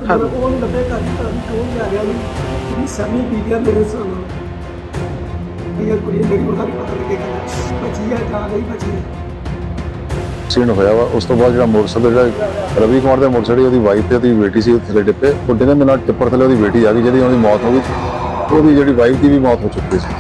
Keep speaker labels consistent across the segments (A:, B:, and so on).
A: Hello वो नहीं लगे कौन जा गया नहीं समी पी गया मेरे सामने ये कुड़ी मेरी ਉਹਦਾ ਨਹੀਂ ਪਤਾ ਲੱਗੇਗਾ ਬਚੀ ਹੈ ਜਾਂ ਨਹੀਂ ਬਚੀ
B: ਐਕਸੀਡੈਂਟ ਹੋਇਆ ਵਾ। ਉਸ ਤੋਂ ਬਾਅਦ ਜਿਹੜਾ ਮੋਟਰਸਾਈਕਲ ਜਿਹੜਾ ਰਵੀ ਕੁਮਾਰ ਦਾ ਮੋਟਰਸਾਈਕਲ ਉਹਦੀ ਵਾਈਫ ਤੇ ਉਹਦੀ ਬੇਟੀ ਸੀ ਥੱਲੇ ਡਿੱਪੇ ਉਹ ਡਿੱਗਣ ਦੇ ਨਾਲ ਟਿੱਪਰ ਥੱਲੇ ਉਹਦੀ ਬੇਟੀ ਆ ਗਈ ਜਿਹਦੀ ਉਹਦੀ ਮੌਤ ਹੋ ਗਈ। ਉਹਦੀ ਜਿਹੜੀ ਵਾਈਫ ਦੀ ਵੀ ਮੌਤ ਹੋ ਚੁੱਕੀ ਸੀ।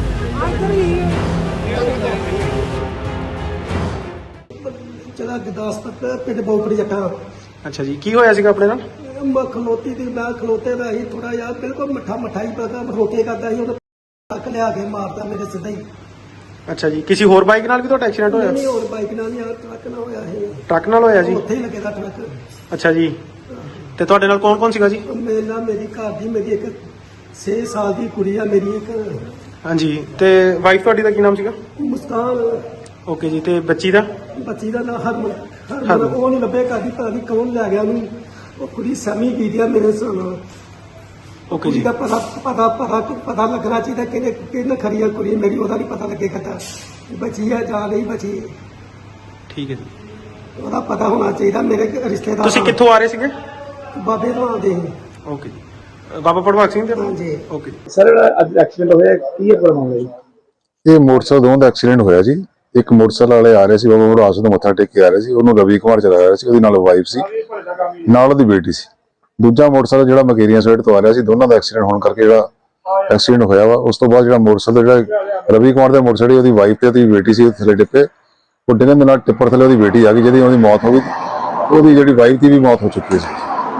A: ਚਲਾ ਗੁਰਦਾਸਪੁਰ ਪਿੰਡ ਬੋਪੜੀ ਜੱਟਾ।
C: ਅੱਛਾ ਜੀ, ਕੀ ਹੋਇਆ ਸੀਗਾ ਆਪਣੇ ਨਾਲ?
A: ਮੈਂ ਖਲੋਤੀ ਦੀ ਮੈਂ ਖਲੋਤੇ ਦਾ ਹੀ ਥੋੜਾ ਜਿਹਾ ਬਿਲਕੁਲ ਮਿੱਠਾ ਹੀ ਪਤਾ ਰੋਕੇ ਕਰਦਾ ਸੀ ਉਹਨੇ ਟੱਕ ਲਿਆ ਕੇ ਮਾਰਦਾ ਮੇਰੇ ਸਿੱਧਾ ਹੀ।
C: ਅੱਛਾ ਜੀ, ਕਿਸੇ ਹੋਰ ਬਾਈਕ ਨਾਲ ਵੀ ਤੁਹਾਡਾ ਐਕਸੀਡੈਂਟ ਹੋਇਆ?
A: ਨਹੀਂ ਹੋਰ ਬਾਈਕ ਨਾਲ ਨਹੀਂ ਟਰੱਕ ਨਾਲ ਹੋਇਆ ਇਹ।
C: ਟਰੱਕ ਨਾਲ ਹੋਇਆ ਜੀ?
A: ਉੱਥੇ ਹੀ ਲੱਗੇਦਾ ਟਰੱਕ।
C: ਅੱਛਾ ਜੀ, ਤੇ ਤੁਹਾਡੇ ਨਾਲ ਕੌਣ ਕੌਣ ਸੀਗਾ ਜੀ?
A: ਮੇਰੇ ਨਾਲ ਮੇਰੀ ਘਰ ਦੀ ਮੇਰੀ ਇੱਕ 6 ਸਾਲ ਦੀ ਕੁੜੀ ਆ ਮੇਰੀ ਇੱਕ।
C: ਹਾਂਜੀ, ਤੇ ਵਾਈਫ ਤੁਹਾਡੀ ਦਾ ਕੀ ਨਾਮ ਸੀਗਾ?
A: ਮੁਸਕਾਨ।
C: ਓਕੇ ਜੀ, ਤੇ ਬੱਚੀ ਦਾ?
A: ਬੱਚੀ ਦਾ ਨਾਮ ਹਰਮਨ ਉਹ ਨਹੀਂ ਲੱਭੇ ਕਰਦੀ ਪਤਾ ਨਹੀਂ ਕੌਣ ਲੈ ਗਿਆ ਉਹਨੂੰ। ਉਹ ਕੁੜੀ ਸੈਮੀ ਪੀਦੀ ਆ ਮੇਰੇ ਨਾਲ।
C: ਓਕੇ ਜੀ,
A: ਦਾ ਪਤਾ ਲੱਗਣਾ ਚਾਹੀਦਾ ਕਿਹਨੇ ਖਰੀ ਆ ਕੁੜੀ ਮੇਰੀ ਉਹਦਾ ਨਹੀਂ ਪਤਾ ਲੱਗੇਗਾ ਤਾਂ ਬਚੀ ਹੈ ਜਾਂ ਨਹੀਂ ਬਚੀ।
C: ਠੀਕ ਹੈ ਜੀ,
A: ਉਹਦਾ ਪਤਾ ਹੋਣਾ ਚਾਹੀਦਾ। ਮੇਰੇ ਰਿਸ਼ਤੇਦਾਰ
C: ਤੁਸੀਂ ਕਿੱਥੋਂ ਆ ਰਹੇ ਸੀਗੇ?
A: ਬਾਬੇ ਤੋਂ ਆਉਂਦੇ ਸੀ।
C: ਓਕੇ ਜੀ, ਬਾਬਾ ਪੜਵਾਕ ਸਿੰਘ ਦੇ?
A: ਹਾਂਜੀ।
C: ਓਕੇ
D: ਸਰ ਅੱਜ ਐਕਸੀਡੈਂਟ ਹੋਇਆ ਕੀ ਹੈ ਪ੍ਰੋਬਲਮ ਹੋਈ?
B: ਇਹ ਮੋਟਰਸਾਈਕਲ ਦੋਵਾਂ ਦਾ ਐਕਸੀਡੈਂਟ ਹੋਇਆ ਜੀ। ਇੱਕ ਮੋਟਰਸਾਈਕਲ ਵਾਲੇ ਆ ਰਹੇ ਸੀ ਬਾਬਾ ਮੜਾਸ ਤੋਂ ਮੱਥਾ ਟੇਕ ਕੇ ਆ ਰਹੇ ਸੀ। ਉਹਨੂੰ ਰਵੀ ਕੁਮਾਰ ਚਲਾ ਰਿਹਾ ਸੀ, ਉਹਦੀ ਨਾਲ ਵਾਈਫ ਸੀ ਨਾਲ ਉਹਦੀ ਬੇਟੀ ਸੀ। ਦੂਜਾ ਮੋਟਰਸਾਈਕਲ ਜਿਹੜਾ ਮਕੇਰੀਆਂ ਸਾਈਡ ਤੋਂ ਆ ਰਿਹਾ ਸੀ। ਦੋਨਾਂ ਦਾ ਐਕਸੀਡੈਂਟ ਹੋਣ ਕਰਕੇ ਜਿਹੜਾ ਐਕਸੀਡੈਂਟ ਹੋਇਆ ਵਾ। ਉਸ ਤੋਂ ਬਾਅਦ ਜਿਹੜਾ ਮੋਟਰਸਾਈਕਲ ਜਿਹੜਾ ਰਵੀ ਕੁਮਾਰ ਦਾ ਮੋਟਰਸਾਈਕਲ ਉਹਦੀ ਵਾਈਫ ਤੇ ਉਹਦੀ ਬੇਟੀ ਸੀ ਥੱਲੇ ਡਿੱਪੇ ਉਹ ਡਿੱਗਣ ਦੇ ਨਾਲ ਟਿੱਪਰ ਥੱਲੇ ਉਹਦੀ ਬੇਟੀ ਆ ਗਈ ਜਿਹਦੀ ਉਹਦੀ ਮੌਤ ਹੋ ਗਈ। ਉਹਦੀ ਜਿਹੜੀ ਵਾਈਫ ਦੀ ਵੀ ਮੌਤ ਹੋ ਚੁੱਕੀ ਸੀ।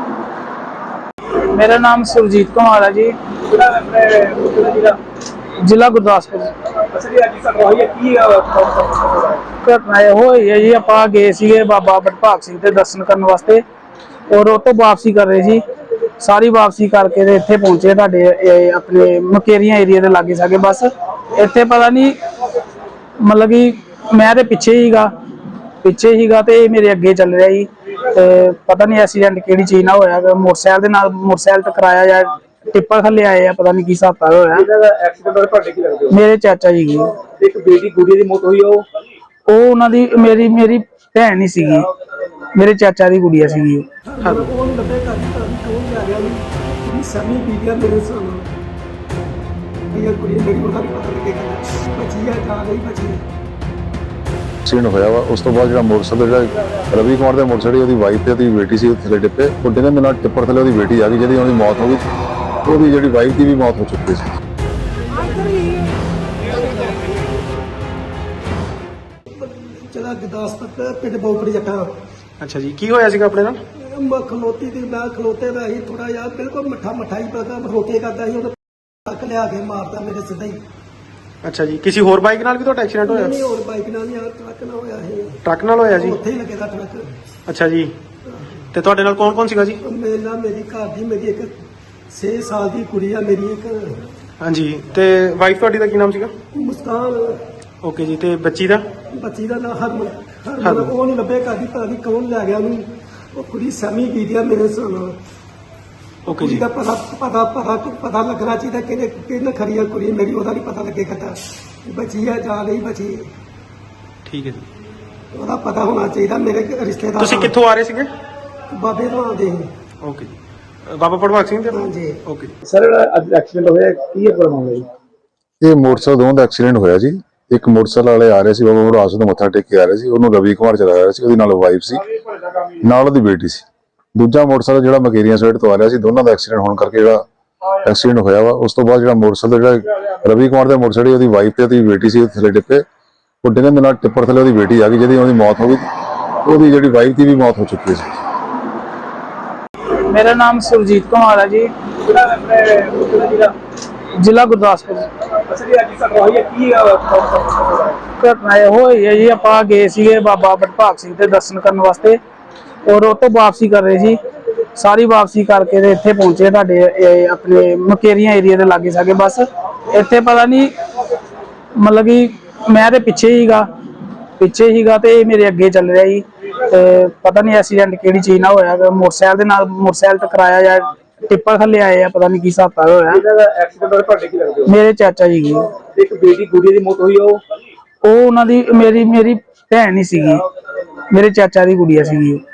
E: मेरा नाम सुरजीत कुमार है जी, जिला गुरदासपुर। घटना ਇਹ ਹੋਈ ਹੈ ਜੀ, ਆਪਾਂ ਗਏ ਸੀਗੇ ਬਾਬਾ ਬਟਭਾਗ ਸਿੰਘ ਦੇ ਦਰਸ਼ਨ ਕਰਨ ਵਾਸਤੇ ਔਰ ਉਹ ਤੋਂ ਵਾਪਸੀ ਕਰ ਰਹੇ ਸੀ। ਸਾਰੀ ਵਾਪਸੀ ਕਰਕੇ ਤੇ ਇੱਥੇ ਪਹੁੰਚੇ ਤੁਹਾਡੇ ਆਪਣੇ ਮਕੇਰੀਆਂ ਏਰੀਆ ਦੇ ਲਾਗੇ ਸਾਗੇ। ਬਸ ਇੱਥੇ ਪਤਾ ਨਹੀਂ ਮਤਲਬ ਕਿ ਮੈਂ ਤੇ ਪਿੱਛੇ ਹੀਗਾ ਤੇ ਇਹ ਮੇਰੇ ਅੱਗੇ ਚੱਲ ਰਿਹਾ ਜੀ। ਤੇ ਪਤਾ ਨਹੀਂ ਐਕਸੀਡੈਂਟ ਕਿਹੜੀ ਚੀਜ਼ ਨਾਲ ਹੋਇਆ, ਮੋਟਰਸਾਈਕਲ ਦੇ ਨਾਲ ਮੋਟਰਸਾਈਕਲ ਟਕਰਾਇਆ ਜਾਂ ਟਿੱਪਰ ਥੱਲੇ ਆਏ ਆ, ਪਤਾ ਨਹੀਂ ਕੀ ਹਿਸਾਬ ਹੋਇਆ।
D: ਇਹਦਾ ਐਕਸੀਡੈਂਟ ਹੋਇਆ ਤੁਹਾਡੇ ਕੀ ਲੱਗਦੇ ਹੋ?
E: ਮੇਰੇ ਚਾਚਾ ਜੀ ਗਏ।
D: ਇੱਕ ਬੇਟੀ ਗੁੜੀ ਦੀ ਮੌਤ ਹੋਈ ਉਹ
E: ਉਹਨਾਂ ਦੀ ਮੇਰੀ ਭੈਣ ਹੀ ਸੀਗੀ, ਮੇਰੇ ਚਾਚਾ ਦੀ ਗੁੜੀਆ ਸੀਗੀ।
A: ਹੈਲੋ ਉਹ ਨਹੀਂ ਲੱਭੇ ਕਰਦੀ ਪਤਾ ਨਹੀਂ ਕੌਣ ਲੈ ਗਿਆ ਉਹਨੂੰ ਸੈਮੀ ਪੀ ਗਿਆ ਮੇਰੇ ਸਾਹਮਣੇ ਇਹ ਕੁੜੀ ਮੇਰੀ ਉਹਦਾ ਨਹੀਂ ਪਤਾ ਲੱਗੇਗਾ ਬਚੀ ਹੈ ਜਾਂ ਨਹੀਂ ਬਚੀ।
B: ਐਕਸੀਡੈਂਟ ਹੋਇਆ ਵਾ। ਉਸ ਤੋਂ ਬਾਅਦ ਜਿਹੜਾ ਮੋਟਰਸਾਈਕਲ ਜਿਹੜਾ ਰਵੀ ਕੁਮਾਰ ਦਾ ਮੋਟਰਸਾਈਕਲ ਉਹਦੀ ਵਾਈਫ ਤੇ ਉਹਦੀ ਬੇਟੀ ਸੀ ਥੱਲੇ ਡਿੱਪੇ ਉਹ ਡਿੱਗਣ ਦੇ ਨਾਲ ਟਿੱਪਰ ਥੱਲੇ ਉਹਦੀ ਬੇਟੀ ਆ ਗਈ ਜਿਹਦੀ ਉਹਦੀ ਮੌਤ ਹੋ ਗਈ। ਉਹਦੀ ਜਿਹੜੀ ਵਾਈਫ ਦੀ ਵੀ ਮੌਤ ਹੋ ਚੁੱਕੀ ਸੀ।
A: ਚਲਾ ਗੁਰਦਾਸਪੁਰ ਪਿੰਡ ਬੋਪੜੀ ਜੱਟਾ।
C: ਅੱਛਾ ਜੀ, ਕੀ ਹੋਇਆ ਸੀਗਾ ਆਪਣੇ ਨਾਲ?
A: ਮੈਂ ਖਲੋਤੀ ਦੀ ਮੈਂ ਖਲੋਤੇ ਦਾ ਹੀ ਥੋੜਾ ਜਿਹਾ ਬਿਲਕੁਲ ਮਿੱਠਾ ਹੀ ਪਤਾ ਰੋਕੇ ਕਰਦਾ ਸੀ ਉਹਨੇ ਟੱਕ ਲਿਆ ਕੇ ਮਾਰਦਾ ਮੇਰੇ ਸਿੱਧਾ ਹੀ।
C: ਅੱਛਾ ਜੀ, ਕਿਸੇ ਹੋਰ ਬਾਈਕ ਨਾਲ ਵੀ ਤੁਹਾਡਾ ਐਕਸੀਡੈਂਟ ਹੋਇਆ?
A: ਨਹੀਂ ਹੋਰ ਬਾਈਕ ਨਾਲ ਨਹੀਂ ਟਰੱਕ ਨਾਲ ਹੋਇਆ ਇਹ।
C: ਟਰੱਕ ਨਾਲ ਹੋਇਆ ਜੀ?
A: ਉੱਥੇ ਹੀ ਲੱਗੇਦਾ ਟਰੱਕ।
C: ਅੱਛਾ ਜੀ, ਤੇ ਤੁਹਾਡੇ ਨਾਲ ਕੌਣ ਕੌਣ ਸੀਗਾ ਜੀ?
A: ਮੇਰੇ ਨਾਲ ਮੇਰੀ ਘਰ ਦੀ ਮੇਰੀ ਇੱਕ 6 ਸਾਲ ਦੀ ਕੁੜੀ ਆ ਮੇਰੀ ਇੱਕ।
C: ਹਾਂਜੀ, ਤੇ ਵਾਈਫ ਤੁਹਾਡੀ ਦਾ ਕੀ ਨਾਮ ਸੀਗਾ?
A: ਮੁਸਕਾਨ।
C: ਓਕੇ ਜੀ, ਤੇ ਬੱਚੀ ਦਾ?
A: ਬੱਚੀ ਦਾ ਨਾਮ ਹਰਮਨ ਉਹ ਨਹੀਂ ਲੱਭੇ ਕਰਦੀ ਪਤਾ ਨਹੀਂ ਕੌਣ ਲੈ ਗਿਆ ਉਹਨੂੰ। ਉਹ ਕੁੜੀ ਸੈਮੀ ਪੀਦੀ ਆ ਮੇਰੇ ਨਾਲ।
C: ਓਕੇ ਜੀ,
A: ਦਾ ਪਤਾ ਲੱਗਣਾ ਚਾਹੀਦਾ ਕਿਹਨੇ ਖਰੀ ਆ ਕੁੜੀ ਮੇਰੀ ਉਹਦਾ ਨਹੀਂ ਪਤਾ ਲੱਗੇਗਾ ਤਾਂ ਬਚੀ ਹੈ ਜਾਂ ਨਹੀਂ ਬਚੀ।
C: ਠੀਕ ਹੈ ਜੀ,
A: ਉਹਦਾ ਪਤਾ ਹੋਣਾ ਚਾਹੀਦਾ। ਮੇਰੇ ਰਿਸ਼ਤੇਦਾਰ
C: ਤੁਸੀਂ ਕਿੱਥੋਂ ਆ ਰਹੇ ਸੀਗੇ?
A: ਬਾਬੇ ਤੋਂ ਆਉਂਦੇ ਸੀ।
C: ਓਕੇ ਜੀ, ਬਾਬਾ ਪੜਵਾਕ ਸਿੰਘ ਦੇ?
A: ਹਾਂਜੀ।
C: ਓਕੇ।
D: ਸਰ ਅੱਜ ਐਕਸੀਡੈਂਟ ਹੋਇਆ ਕੀ ਹੈ ਪ੍ਰੋਬਲਮ ਹੋਈ?
B: ਇਹ ਮੋਟਰਸਾਈਕਲ ਦੋਵਾਂ ਦਾ ਐਕਸੀਡੈਂਟ ਹੋਇਆ ਜੀ। ਇੱਕ ਮੋਟਰਸਾਈਕਲ ਵਾਲੇ ਆ ਰਹੇ ਸੀ ਬਾਬਾ ਮੜਾਸ ਤੋਂ ਮੱਥਾ ਟੇਕ ਕੇ ਆ ਰਹੇ ਸੀ। ਉਹਨੂੰ ਰਵੀ ਕੁਮਾਰ ਚਲਾ ਰਿਹਾ ਸੀ, ਉਹਦੀ ਨਾਲ ਵਾਈਫ ਸੀ ਨਾਲ ਉਹਦੀ ਬੇਟੀ ਸੀ। ਦੂਜਾ ਮੋਟਰਸਾਈਕਲ ਜਿਹੜਾ ਮਕੇਰੀਆਂ ਸਾਈਡ ਤੋਂ ਆ ਰਿਹਾ ਸੀ। ਦੋਨਾਂ ਦਾ ਐਕਸੀਡੈਂਟ ਹੋਣ ਕਰਕੇ ਜਿਹੜਾ ਐਕਸੀਡੈਂਟ ਹੋਇਆ ਵਾ। ਉਸ ਤੋਂ ਬਾਅਦ ਜਿਹੜਾ ਮੋਟਰਸਾਈਕਲ ਜਿਹੜਾ ਰਵੀ ਕੁਮਾਰ ਦਾ ਮੋਟਰਸਾਈਕਲ ਉਹਦੀ ਵਾਈਫ ਤੇ ਉਹਦੀ ਬੇਟੀ ਸੀ ਥੱਲੇ ਡਿੱਪੇ ਉਹ ਡਿੱਗਣ ਦੇ ਨਾਲ ਟਿੱਪਰ ਥੱਲੇ ਉਹਦੀ ਬੇਟੀ ਆ ਗਈ ਜਿਹਦੀ ਉਹਦੀ ਮੌਤ ਹੋ ਗਈ। ਉਹਦੀ ਜਿਹੜੀ ਵਾਈਫ ਦੀ ਵੀ ਮੌਤ ਹੋ ਚੁੱਕੀ ਸੀ।
E: मेरा नाम सुरजीत कुमार है जी, जिला गुरदासपुर। घटना ਇਹ ਹੋਈ ਹੈ ਜੀ, ਆਪਾਂ ਗਏ ਸੀਗੇ ਬਾਬਾ ਬਟਭਾਗ ਸਿੰਘ ਦੇ ਦਰਸ਼ਨ ਕਰਨ ਵਾਸਤੇ ਔਰ ਉਹ ਤੋਂ ਵਾਪਸੀ ਕਰ ਰਹੇ ਸੀ। ਸਾਰੀ ਵਾਪਸੀ ਕਰਕੇ ਤੇ ਇੱਥੇ ਪਹੁੰਚੇ ਤੁਹਾਡੇ ਆਪਣੇ ਮਕੇਰੀਆਂ ਏਰੀਆ ਦੇ ਲਾਗੇ ਸਾਗੇ। ਬਸ ਇੱਥੇ ਪਤਾ ਨਹੀਂ ਮਤਲਬ ਕਿ ਮੈਂ ਤੇ ਪਿੱਛੇ ਹੀਗਾ ਤੇ ਇਹ ਮੇਰੇ ਅੱਗੇ ਚੱਲ ਰਿਹਾ ਜੀ। ਤੇ ਪਤਾ ਨਹੀਂ ਐਕਸੀਡੈਂਟ ਕਿਹੜੀ ਚੀਜ਼ ਨਾਲ ਹੋਇਆ, ਮੋਟਰਸਾਈਕਲ ਦੇ ਨਾਲ ਮੋਟਰਸਾਈਕਲ ਟਕਰਾਇਆ ਜਾਂ ਟਿੱਪਰ ਥੱਲੇ ਆਏ ਆ, ਪਤਾ ਨਹੀਂ ਕੀ ਹਿਸਾਬ ਹੋਇਆ।
D: ਇਹਦਾ ਐਕਸੀਡੈਂਟ ਹੋਇਆ ਤੁਹਾਡੇ ਕੀ ਲੱਗਦੇ ਹੋ?
E: ਮੇਰੇ ਚਾਚਾ ਜੀ ਗਏ।
D: ਇੱਕ ਬੇਟੀ ਗੁੜੀ ਦੀ ਮੌਤ ਹੋਈ ਉਹ
E: ਉਹਨਾਂ ਦੀ ਮੇਰੀ ਭੈਣ ਹੀ ਸੀਗੀ, ਮੇਰੇ ਚਾਚਾ ਦੀ ਗੁੜੀਆ ਸੀਗੀ।